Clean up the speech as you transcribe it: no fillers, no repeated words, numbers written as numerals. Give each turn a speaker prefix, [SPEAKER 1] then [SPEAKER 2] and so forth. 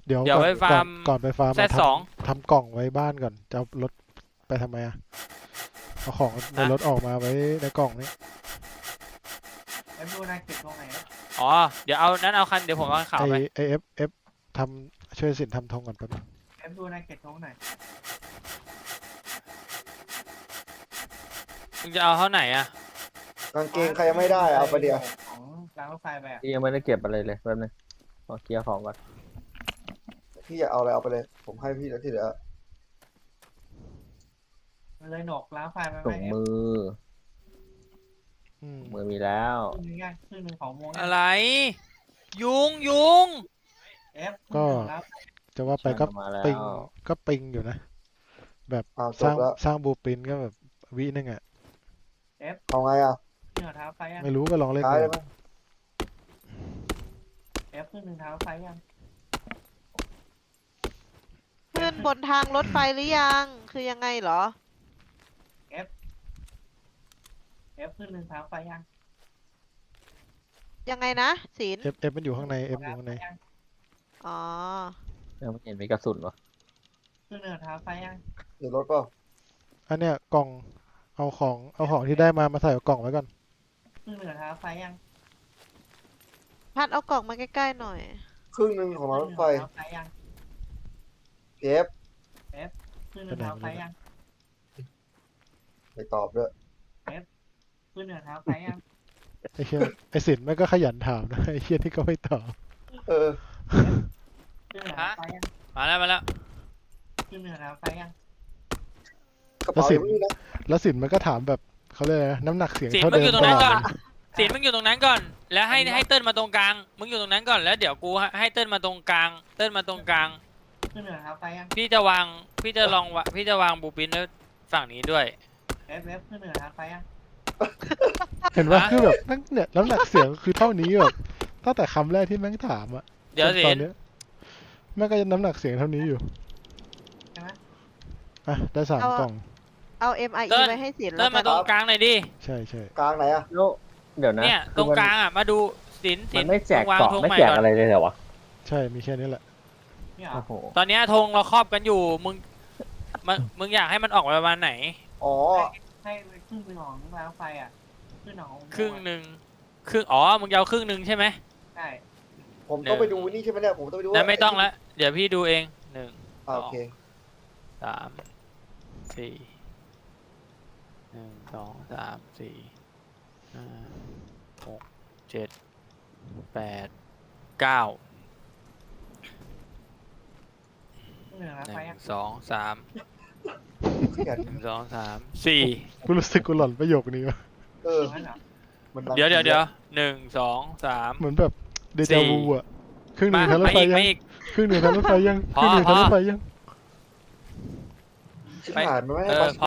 [SPEAKER 1] เดี๋ยว
[SPEAKER 2] เดี๋ยวไปฟาร์ม
[SPEAKER 1] ก่อนไปฟาร์ม
[SPEAKER 2] แซดสอง
[SPEAKER 1] ทำกล่องไว้บ้านก่อนจะเอารถไปทำไมอะเอาของในรถออกมาไว้ในกล่องนี้
[SPEAKER 3] เอฟดูนายเก็บตรงไหน
[SPEAKER 2] อ๋อเดี๋ยวเอานั้นเอาคันเดี๋ยวผมเอาคันขาวไป
[SPEAKER 1] ไอเอฟทำช่วยสินทำธงก่อนแป๊บนึง
[SPEAKER 3] เอฟดูนายเก็บตรงไหน
[SPEAKER 2] มึงจะเอาเท่าไหนอะ
[SPEAKER 4] กางเกงใครยังไม่ได้เอาไปเดียว
[SPEAKER 3] ของรางรถไฟไปอ่ะ
[SPEAKER 5] พี่ยังไม่ได้เก็บอะไรเลยแป๊บนึงขอเคลียร์ของก่อน
[SPEAKER 4] พี่อยากเอาอะไรเอาไปเลย ผมให้พี่แล้วที่เหลือ
[SPEAKER 3] มันเลยหนกรางรถไฟไปไหม
[SPEAKER 5] ถุงมือ
[SPEAKER 1] อืม
[SPEAKER 5] มือมีแล้ว
[SPEAKER 3] ครึ่งนึงครึ่งนึงของโมง
[SPEAKER 2] อะไร ยุงยุง
[SPEAKER 3] เอฟ
[SPEAKER 1] จะว่าไปก็
[SPEAKER 5] มาแล้ว
[SPEAKER 1] ปิงอยู่นะ แบบ
[SPEAKER 4] อ้าวจ
[SPEAKER 1] สร้า
[SPEAKER 4] บ
[SPEAKER 1] ง
[SPEAKER 4] แล้ว
[SPEAKER 1] สร้างบูปินก็แบบวินึงอ่ะ
[SPEAKER 4] เอาไงอ่ะ
[SPEAKER 3] ขึ้นเท้าไฟยัง
[SPEAKER 1] ไม่รู้ก็ลองเล่น
[SPEAKER 4] ท้าย
[SPEAKER 1] ดู
[SPEAKER 4] ได้ไหม
[SPEAKER 3] เอฟขึ้นหนึ่งเท้าไฟยัง
[SPEAKER 6] ขึ้นบนทางรถไฟหรือยัง คือยังไงเหรอ
[SPEAKER 3] เอฟขึ้นหนึ่งเท้าไฟยัง
[SPEAKER 6] ยังไงนะศิลป์
[SPEAKER 1] เอฟมันอยู่ข้างในเอฟอยู่ข้างใน
[SPEAKER 6] อ๋อ
[SPEAKER 5] ยังไม่เห็นมีกระสุนวะ
[SPEAKER 3] ขึ้นหนึ่งเท้าไฟยัง
[SPEAKER 4] เดี๋ยวรถเปล่า
[SPEAKER 1] อันเนี้ยกล่องเอาของที่ได้มาใส่กล่องไว้ก่อน
[SPEAKER 3] ขึ้นหนึ่งเท้าไฟยัง
[SPEAKER 6] พัดเอากล่องมาใกล้ๆหน่อย
[SPEAKER 4] ครึ่งหนึ่งของรถไฟ
[SPEAKER 3] เท้าไฟยัง
[SPEAKER 4] เก็บ
[SPEAKER 3] ขึ้นหนึ่งเท้าไฟยัง
[SPEAKER 4] ไปตอบด้วย
[SPEAKER 3] ขึ้นหนึ่งเท้าไฟยัง
[SPEAKER 1] ไอ้เชี่ยไอ้สินแม่งก็ขยันถามนะไอ้เชี่ยที่ก็ไม่ตอบ
[SPEAKER 4] เออ
[SPEAKER 3] ขึ้นหนึ่งเท้าไฟยัง
[SPEAKER 2] มาแล้วมาแล้ว
[SPEAKER 3] ขึ้นหนึ่งเท้าไฟยัง
[SPEAKER 4] กระเป๋าอยู่นี่นะ
[SPEAKER 1] แล้วสินมันก็ถามแบบเขาเรียกอะไรนะน้ำหนักเสียง
[SPEAKER 2] สิน
[SPEAKER 1] เท่า
[SPEAKER 2] มึง
[SPEAKER 1] เดิ
[SPEAKER 2] อ
[SPEAKER 1] ม
[SPEAKER 2] ยู่ตรงนั้น
[SPEAKER 1] ต
[SPEAKER 2] ก่
[SPEAKER 1] ล
[SPEAKER 2] อ
[SPEAKER 1] อน ด
[SPEAKER 2] สินมึงอยู่ตรงนั้นก่อน แล้วให้เติ้ลมาตรงกลาง มึงอยู่ตรงนั้นก่อนแล้วเดี๋ยวกูให้เติ้ลมาตรงกลาง เติ้ลมาตรงกลาง
[SPEAKER 3] ขึ้นหนึ่งเท้าไฟยัง
[SPEAKER 2] พี่จะวางพี่จะวางบูปินไว้ฝั่งนี้ด้วย
[SPEAKER 3] เอฟขึ้นหนึ่งเท้าไฟยัง
[SPEAKER 1] เห็นว่า
[SPEAKER 2] ฮะ
[SPEAKER 1] คือแบบแม่งเนี่ยน้ำหนักเสียงคือเท่านี้แบบตั้งแต่คำแรกที่แม่งถามอะ
[SPEAKER 2] เดี๋ยว
[SPEAKER 1] จน
[SPEAKER 2] สิ
[SPEAKER 1] ตอนเนี้ยแม่งก็ยังน้ำหนักเสียงเท่านี้อยู่
[SPEAKER 3] ใช่ไหม
[SPEAKER 1] อ่ะได้3
[SPEAKER 6] เอา
[SPEAKER 1] กล่อง
[SPEAKER 6] เอา MIE ไว้ให้ศิลป์
[SPEAKER 2] เติ้
[SPEAKER 6] แล้
[SPEAKER 2] ล
[SPEAKER 6] ว
[SPEAKER 2] มา
[SPEAKER 6] กัน
[SPEAKER 2] ตรงกลางหน่อยดิ
[SPEAKER 1] ใช่ใช่
[SPEAKER 4] กลางไหนอ่ะ
[SPEAKER 5] แล้วเดี๋ยวนะ
[SPEAKER 2] เนี่ยต
[SPEAKER 5] คือ
[SPEAKER 2] รงกลางอ่ะมาดูสิน
[SPEAKER 5] มันไม่แจก
[SPEAKER 2] วาง
[SPEAKER 5] เกาะ
[SPEAKER 2] ธง
[SPEAKER 5] ไม่
[SPEAKER 2] ใหม่
[SPEAKER 5] แจก
[SPEAKER 2] ก่อน
[SPEAKER 5] อะไรเลยเหรอวะ
[SPEAKER 1] ใช่มีแค่นี้แหละ
[SPEAKER 3] เนี่ย
[SPEAKER 5] โอ้โห
[SPEAKER 2] ตอนเนี้ยธงเราครอบกันอยู่ มึงอยากให้มันออกมาประมาณไหน
[SPEAKER 4] อ๋อ
[SPEAKER 3] ให้ครึ่งหนึ่งของรางรถไฟอ่ะขึ้นของ
[SPEAKER 2] ครึ่งหนึ่งอ๋อ มึงจะเอาครึ่งหนึ่งใช่ไหม
[SPEAKER 3] ใช่
[SPEAKER 4] ผมต้องไปดูนี่ใช่ไหมเนี่ย ผมต้องไปดู
[SPEAKER 2] นั้นไม่ต้องละเดี๋ยวพี่ดูเองหนึ่ง
[SPEAKER 4] อ่าโอเค
[SPEAKER 2] สามสี่หนึ่งสองสามสี่ห้าหกเจ็ดแปดเก้า
[SPEAKER 3] ขึ้นหนึ่งเท้า
[SPEAKER 2] ห
[SPEAKER 3] ไฟ
[SPEAKER 2] นึ่
[SPEAKER 3] ยัง
[SPEAKER 2] งสองสาม
[SPEAKER 4] ขยัน
[SPEAKER 2] หนึ่งสองสามสี่
[SPEAKER 1] กูรู้สึกกูหล่อนประโยคนี้วะ
[SPEAKER 4] เออ
[SPEAKER 3] งั้นเหรอ
[SPEAKER 4] มัน
[SPEAKER 2] เดี๋ยวหนึ่งสองสาม
[SPEAKER 1] เหมือนแบบเดจาวูอะครึ่งหนึ่
[SPEAKER 2] มาง
[SPEAKER 1] ทางรถ
[SPEAKER 2] มา
[SPEAKER 1] ไฟ
[SPEAKER 2] อีก
[SPEAKER 1] ยัง
[SPEAKER 2] มาอีก
[SPEAKER 1] ครึ่งหนึ่งทางรถไฟยัง
[SPEAKER 2] พอ
[SPEAKER 1] ครึ่งหนึ่งทางรถไฟยัง
[SPEAKER 4] ชิบหายมันไม่ให้
[SPEAKER 2] เอ
[SPEAKER 4] ไป
[SPEAKER 2] อ